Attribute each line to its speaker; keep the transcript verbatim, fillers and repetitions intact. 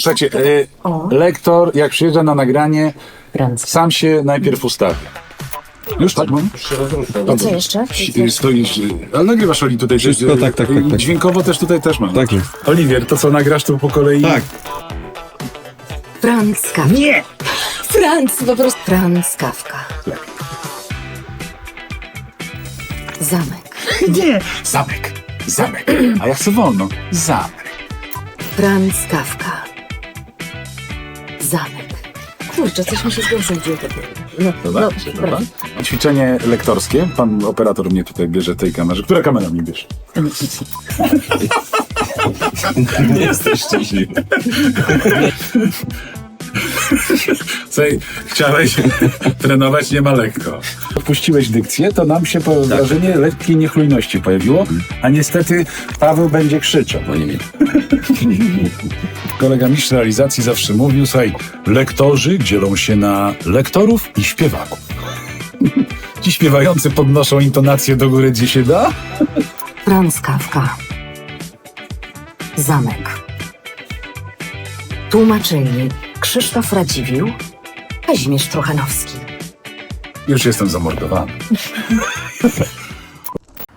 Speaker 1: Słuchajcie, y, lektor jak przyjeżdża na nagranie,
Speaker 2: Franc.
Speaker 1: sam się najpierw ustawi. Już tak mam?
Speaker 2: A co jeszcze?
Speaker 1: Y, Stoisz, y, ale nagrywasz, Oli, tutaj.
Speaker 3: Wszystko,
Speaker 1: y,
Speaker 3: tak, tak,
Speaker 1: y,
Speaker 3: tak, tak.
Speaker 1: Dźwiękowo też tutaj też mam.
Speaker 3: Tak jest.
Speaker 1: Oliwier, to co nagrasz tu po kolei?
Speaker 3: Tak.
Speaker 2: Franz Kafka.
Speaker 1: Nie!
Speaker 2: Franz, po prostu Franz Kafka. Zamek.
Speaker 1: Nie! Zamek. Zamek. A ja chcę wolno. Zamek.
Speaker 2: Franz Kafka. Zamek. Kurczę, coś mi się z głosem dzieje. No,
Speaker 1: Dobra,
Speaker 2: no,
Speaker 1: dobra. Ćwiczenie lektorskie. Pan operator mnie tutaj bierze tej kamerze. Która kamera mnie bierze?
Speaker 3: Nie jesteś szczęśliwy.
Speaker 1: Słuchaj, chciałeś trenować nie ma lekko. Odpuściłeś dykcję, to nam się po wrażenie lekkiej niechlujności pojawiło, a niestety Paweł będzie krzyczał.
Speaker 3: No nie wiem.
Speaker 1: Kolega mistrz realizacji zawsze mówił, słuchaj, lektorzy dzielą się na lektorów i śpiewaków. Ci śpiewający podnoszą intonację do góry, gdzie się da.
Speaker 2: Franz Kafka. Zamek. Tłumaczyli Krzysztof Radziwiłł, Kazimierz Truchanowski.
Speaker 1: Już jestem zamordowany.